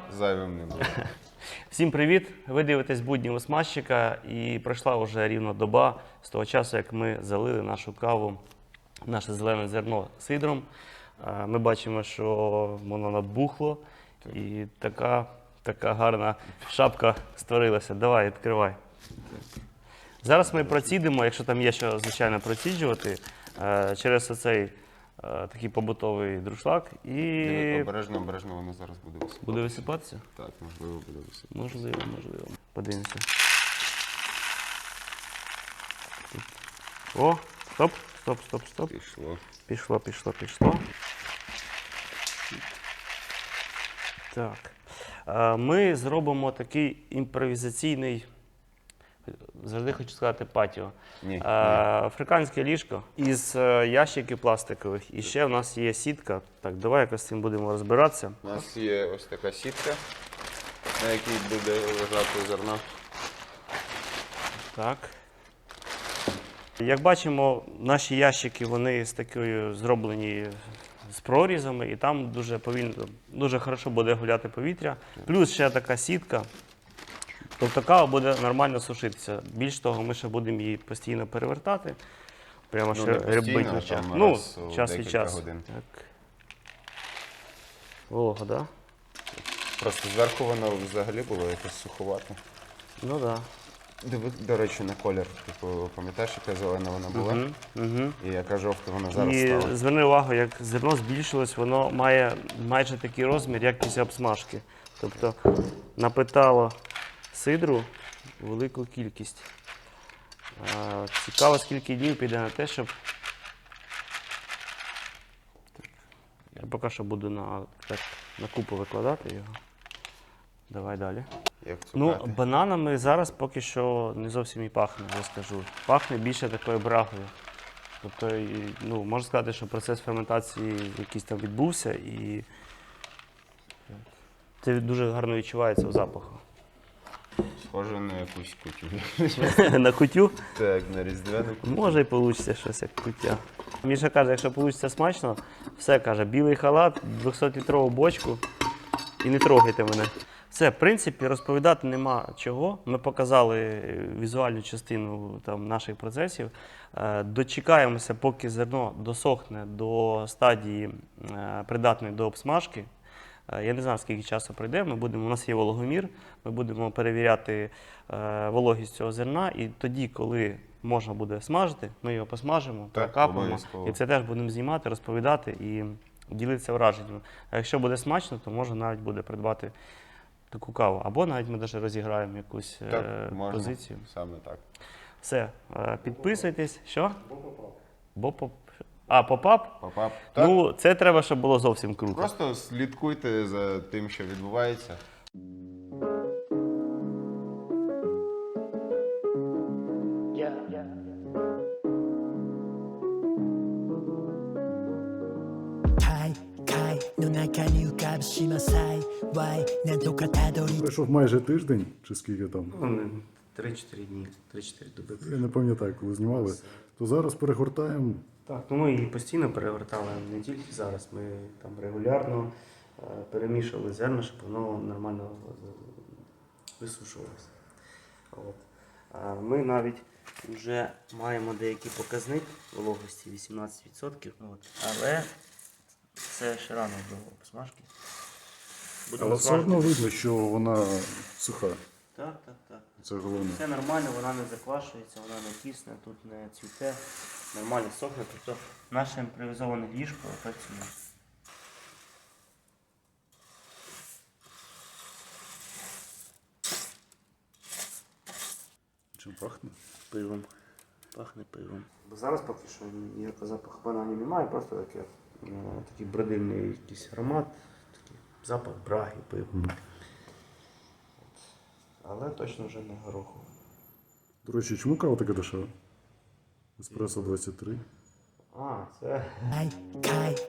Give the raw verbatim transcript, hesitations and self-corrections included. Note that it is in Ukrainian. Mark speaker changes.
Speaker 1: зайвим не буде.
Speaker 2: Всім привіт! Ви дивитесь будні у смазчика, і пройшла вже рівно доба з того часу, як ми залили нашу каву, наше зелене зерно сидром. Е, Ми бачимо, що воно набухло і така, така гарна шапка створилася. Давай, відкривай. Зараз ми процідимо, якщо там є що, звичайно, проціджувати, е, через оцей е, такий побутовий друшлак і
Speaker 1: Диви, Обережно, обережно воно зараз буде висипатися.
Speaker 2: буде висипатися?
Speaker 1: Так, можливо, буде висипатися.
Speaker 2: Можливо, можливо. Подивимося. О, стоп, стоп, стоп, стоп.
Speaker 1: Пішло.
Speaker 2: Пішло, пішло, пішло. Так. Е, Ми зробимо такий імпровізаційний, завжди хочу сказати, патіо.
Speaker 1: Ні,
Speaker 2: Е,
Speaker 1: ні.
Speaker 2: Африканське ліжко із е, ящиків пластикових. І ще в нас є сітка. Так, давай якось з цим будемо розбиратися.
Speaker 1: У нас є ось така сітка, на якій буде лежати зерно.
Speaker 2: Так. Як бачимо, наші ящики вони з такою зроблені з прорізами, і там дуже повільно, дуже хорошо буде гуляти повітря. Плюс ще така сітка. Тобто кава буде нормально сушитися. Більш того, ми ще будемо її постійно перевертати. Прямо
Speaker 1: Ну,
Speaker 2: ще
Speaker 1: не постійно,
Speaker 2: рибить
Speaker 1: а
Speaker 2: на час.
Speaker 1: там
Speaker 2: Ну,
Speaker 1: раз у
Speaker 2: час від
Speaker 1: декілька
Speaker 2: часу.
Speaker 1: годин.
Speaker 2: Так. Волога, так? Да?
Speaker 1: Просто зверху воно взагалі було якось суховато.
Speaker 2: Ну так. Да.
Speaker 1: Диви, до речі, на колір. Типу, пам'ятаєш, яка зелена вона була?
Speaker 2: Угу, угу.
Speaker 1: І яка жовта вона зараз
Speaker 2: І
Speaker 1: стала.
Speaker 2: зверни увагу, як зерно збільшилось, воно має майже такий розмір, як після обсмажки. Тобто напитало сидру велику кількість. А, Цікаво, скільки днів піде на те, щоб. Я поки що буду на, так, на купу викладати його. Давай далі.
Speaker 1: Як
Speaker 2: Ну,
Speaker 1: цукати.
Speaker 2: бананами зараз поки що не зовсім і пахне, я скажу. Пахне більше такою брагою. Тобто, і, ну, можна сказати, що процес ферментації якийсь там відбувся, і це дуже гарно відчувається в запаху.
Speaker 1: Схоже на якусь кутю.
Speaker 2: На кутю
Speaker 1: Так, на різдвяну кутю.
Speaker 2: може і вийде щось як куття. Міша каже, якщо вийде смачно, все каже, білий халат, двохсотлітрову бочку і не трогайте мене. Все, в принципі, розповідати нема чого. Ми показали візуальну частину там, наших процесів. Е, Дочекаємося, поки зерно досохне до стадії е, придатної до обсмажки. Е, Я не знаю, скільки часу пройде. Ми будемо, у нас є вологомір, ми будемо перевіряти е, вологість цього зерна. І тоді, коли можна буде смажити, ми його посмажимо,
Speaker 1: Так,
Speaker 2: прокапимо.
Speaker 1: обов'язково.
Speaker 2: І це теж будемо знімати, розповідати і ділитися враженнями. А якщо буде смачно, то можна навіть буде придбати таку каву. Або навіть ми навіть розіграємо якусь
Speaker 1: Так,
Speaker 2: е,
Speaker 1: можна.
Speaker 2: позицію.
Speaker 1: Саме так.
Speaker 2: Все, е, підписуйтесь. Що? Бо поп. А, попап?
Speaker 1: Попап. Так,
Speaker 2: Ну, це треба, щоб було зовсім круто.
Speaker 1: просто слідкуйте за тим, що відбувається.
Speaker 3: はいはいの中に浮かぶ島幸いなんとかたどり
Speaker 4: Пройшов майже тиждень, чи скільки там,
Speaker 2: три-чотири дні, три-чотири доби.
Speaker 4: я не пам'ятаю, коли знімали, то зараз перегортаємо.
Speaker 2: Так, ну ми її постійно перевертали, не тільки зараз. Ми там регулярно е, перемішували зерно, щоб воно нормально е, висушувалося. От. А ми навіть вже маємо деякий показник вологості вісімнадцять відсотків. От. Але це ще рано до посмажки. Будемо
Speaker 4: Але все
Speaker 2: смажити.
Speaker 4: одно видно, що вона суха.
Speaker 2: Так, так, так.
Speaker 4: Це головне.
Speaker 2: Все нормально, вона не заквашується, вона не тісне, тут не цвіте, нормально сохне. Тобто наше імпровізоване ліжко працює.
Speaker 4: Чим пахне?
Speaker 2: Пивом. Пахне пивом. Бо зараз поки що ніякого запаху бананів немає, просто таке, ну, такий бродильний якийсь аромат, такий запах браги, пива.
Speaker 4: Мгм.
Speaker 2: Але точно вже не гороху.
Speaker 4: До речі, чому кава така дешева? Еспресо двадцять три.
Speaker 2: А, це.
Speaker 3: はいはい